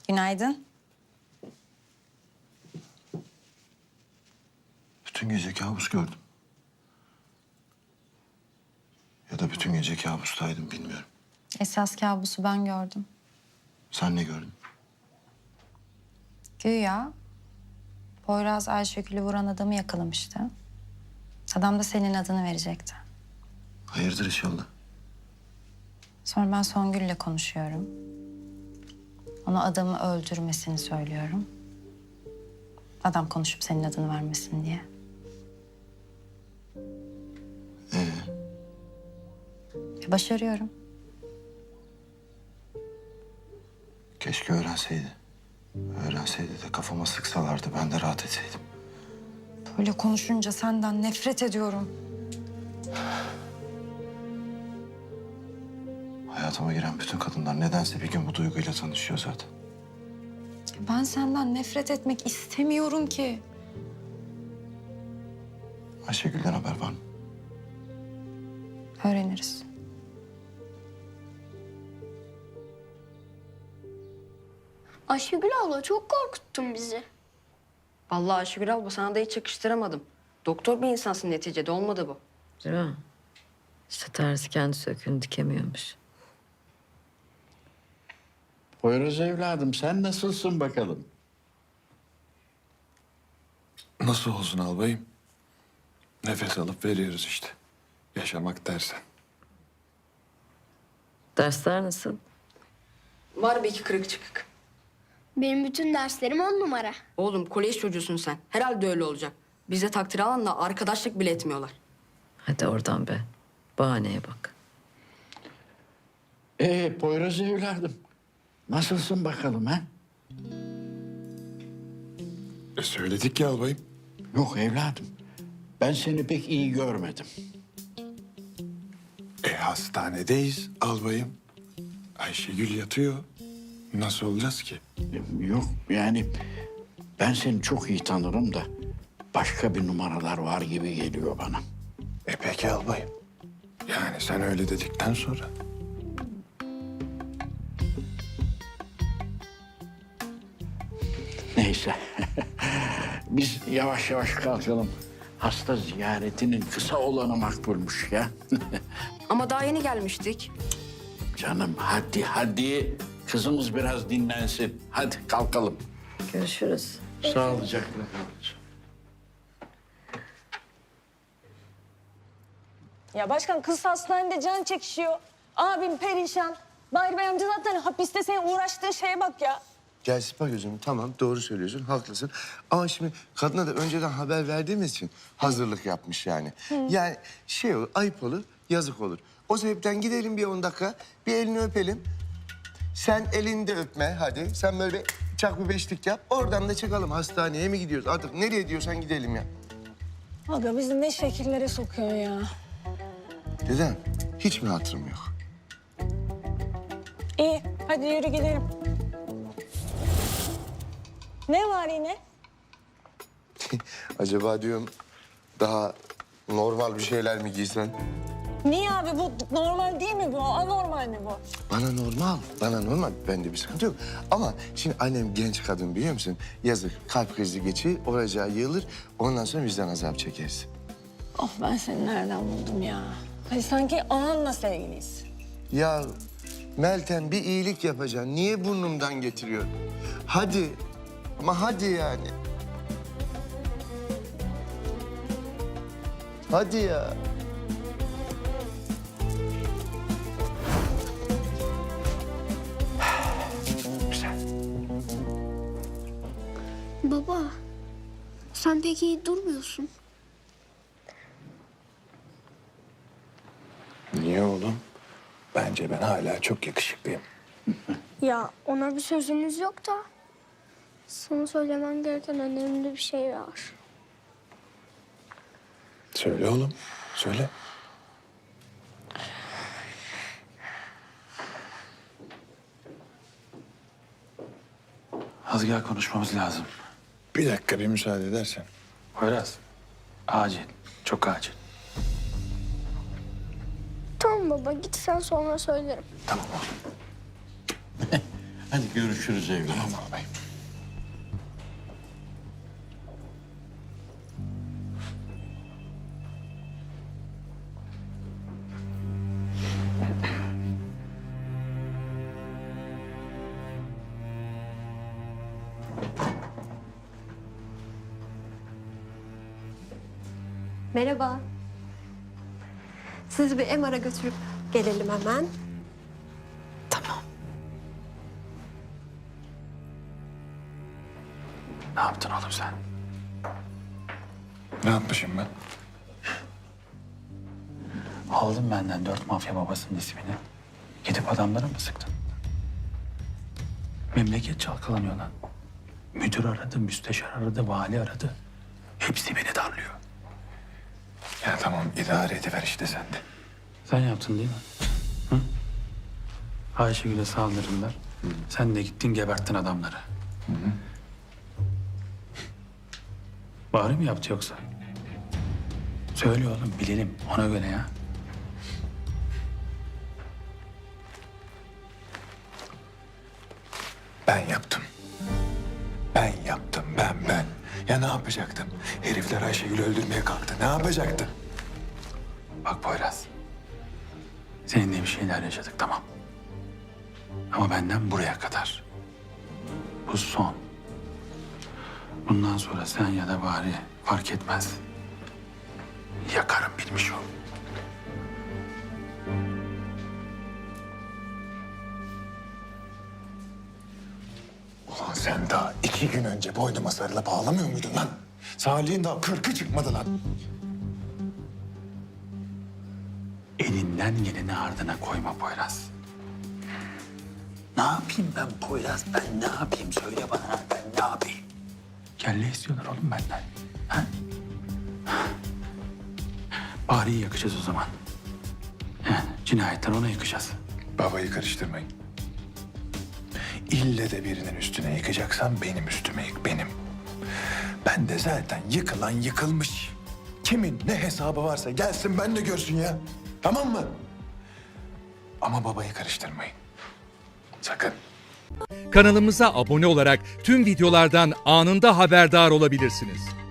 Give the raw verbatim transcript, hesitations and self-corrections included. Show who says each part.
Speaker 1: Günaydın.
Speaker 2: Bütün gece kabus gördüm. Ya da bütün gece kabustaydım bilmiyorum.
Speaker 1: Esas kabusu ben gördüm.
Speaker 2: Sen ne gördün?
Speaker 1: Güya Poyraz Ayşegül'ü vuran adamı yakalamıştı. Adam da senin adını verecekti.
Speaker 2: Hayırdır inşallah.
Speaker 1: Sonra ben Songül'le konuşuyorum. Ona adamı öldürmesini söylüyorum. Adam konuşup senin adını vermesin diye.
Speaker 2: Ee,
Speaker 1: E, başarıyorum.
Speaker 2: keşke öğrenseydi. Öğrenseydi de kafama sıksalardı ben de rahat etseydim.
Speaker 1: Böyle konuşunca senden nefret ediyorum.
Speaker 2: Hayatıma giren bütün kadınlar nedense bir gün bu duyguyla tanışıyor zaten.
Speaker 1: Ben senden nefret etmek istemiyorum ki.
Speaker 2: Ayşegül'den haber var mı?
Speaker 1: Öğreniriz.
Speaker 3: Ayşegül abla çok korkuttun bizi.
Speaker 4: Vallahi Ayşegül abla sana da hiç yakıştıramadım. Doktor bir insansın neticede, olmadı bu.
Speaker 5: Değil mi? İşte terzi kendi söküğünü dikemiyormuş.
Speaker 6: Poyraz evladım sen nasılsın bakalım?
Speaker 7: Nasıl olsun albayım? Nefes alıp veriyoruz işte. Yaşamak dersen.
Speaker 5: Dersler nasıl?
Speaker 4: Var bir iki kırık çıkık.
Speaker 3: Benim bütün derslerim on numara.
Speaker 4: Oğlum kolej çocuğusun sen. Herhalde öyle olacak. Bize takdir alanla arkadaşlık bile etmiyorlar.
Speaker 5: Hadi oradan be. Bahaneye bak.
Speaker 6: Ee Poyraz evladım nasılsın bakalım ha?
Speaker 7: E söyledik ya albayım.
Speaker 6: Yok evladım ben seni pek iyi görmedim.
Speaker 7: E hastanedeyiz albayım. Ayşegül yatıyor. Nasıl olacağız ki?
Speaker 6: Ee, Yok yani ben seni çok iyi tanırım da başka bir numaralar var gibi geliyor bana.
Speaker 7: E peki albayım. Yani sen öyle dedikten sonra.
Speaker 6: Neyse biz yavaş yavaş kalkalım. Hasta ziyaretinin kısa olanı makbulmuş ya.
Speaker 4: Ama daha yeni gelmiştik.
Speaker 6: Canım hadi hadi kızımız biraz dinlensin. Hadi kalkalım.
Speaker 5: Görüşürüz.
Speaker 6: Sağlıcakla kalın.
Speaker 8: Ya başkan kız hastanede can çekişiyor. Abim perişan. Bahri Bey amca zaten hapiste senin uğraştığı şeye bak ya.
Speaker 2: Gel sıpa gözünü tamam doğru söylüyorsun haklısın. Ama şimdi kadına da önceden haber verdiğimiz için hazırlık yapmış yani. Yani şey olur ayıp olur yazık olur. O sebepten gidelim bir on dakika bir elini öpelim. Sen elini de öpme hadi. Sen böyle çak bir beşlik yap. Oradan da çıkalım hastaneye mi gidiyoruz? Artık nereye diyorsan gidelim ya.
Speaker 8: Aga bizi ne şekillere sokuyor ya.
Speaker 2: Dedem hiç mi hatırım yok?
Speaker 8: İyi hadi yürü gidelim. Ne var yine?
Speaker 2: Acaba diyorum daha normal bir şeyler mi giysen?
Speaker 8: Niye abi bu normal değil mi bu? Anormal mi bu?
Speaker 2: Bana normal, bana normal. Bende bir sıkıntı yok. Ama şimdi annem genç kadın biliyor musun? Yazık kalp krizi geçirir, olacağı yığılır. Ondan sonra vicdan azabı çekeriz.
Speaker 8: Oh ben seni nereden buldum ya? Hani sanki ananla sevgiliyiz.
Speaker 2: Ya Meltem bir iyilik yapacaksın. Niye burnumdan getiriyor? Hadi. Ama hadi yani. Hadi ya.
Speaker 3: Baba sen pek iyi durmuyorsun.
Speaker 7: Niye oğlum? Bence ben hala çok yakışıklıyım.
Speaker 3: Ya ona bir sözümüz yok da. Sana söylemen gereken önemli bir şey var.
Speaker 7: Söyle oğlum, söyle.
Speaker 9: Az gel konuşmamız lazım.
Speaker 7: Bir dakika bir müsaade edersen.
Speaker 9: Poyraz. Acil. Çok acil.
Speaker 3: Tamam baba git sen sonra söylerim.
Speaker 9: Tamam oğlum.
Speaker 6: Hadi görüşürüz evladım.
Speaker 7: Tamam albayım.
Speaker 10: Merhaba. Sizi bir M R'a götürüp gelelim hemen.
Speaker 9: Ne yaptın oğlum sen?
Speaker 7: Ne yapmışım ben?
Speaker 9: Aldın benden dört mafya babasının ismini. Gidip adamlara mı sıktın? Memleket çalkalanıyor lan. Müdür aradı, müsteşar aradı, vali aradı. Hepsi beni darlıyor.
Speaker 7: Ya tamam idare ediver işte sen de.
Speaker 9: Sen yaptın değil mi? Hı? Ayşegül'e saldırdılar. Sen de gittin geberttin adamları. Bari mi yaptı yoksa? Söyle oğlum bilelim ona göre ya.
Speaker 7: Ben yaptım. Ben yaptım ben ben. Ya ne yapacaktım? Herifler Ayşegül'ü öldürmeye kalktı. Ne yapacaktım?
Speaker 9: Bak Poyraz. Seninle bir şeyler yaşadık tamam. Ama benden buraya kadar. Bu son. Bundan sonra sen ya da bari fark etmez. Yakarım bilmiş ol.
Speaker 7: Ulan sen daha iki gün önce boynuma sarılıp ağlamıyor muydun lan? Salih'in daha kırkı çıkmadı lan.
Speaker 9: Elinden geleni ardına koyma Poyraz. Ne yapayım ben Poyraz? Ben ne yapayım? Söyle bana ben ne yapayım? Kelle istiyorlar oğlum benden. Ha? Bari'yi yakacağız o zaman. Yani cinayetler ona yakacağız.
Speaker 7: Babayı karıştırmayın. İlle de birinin üstüne yıkacaksan benim üstüme yık benim. Ben de zaten yıkılan yıkılmış. Kimin ne hesabı varsa gelsin ben de görsün ya. Tamam mı? Ama babayı karıştırmayın. Sakın.
Speaker 11: Kanalımıza abone olarak tüm videolardan anında haberdar olabilirsiniz.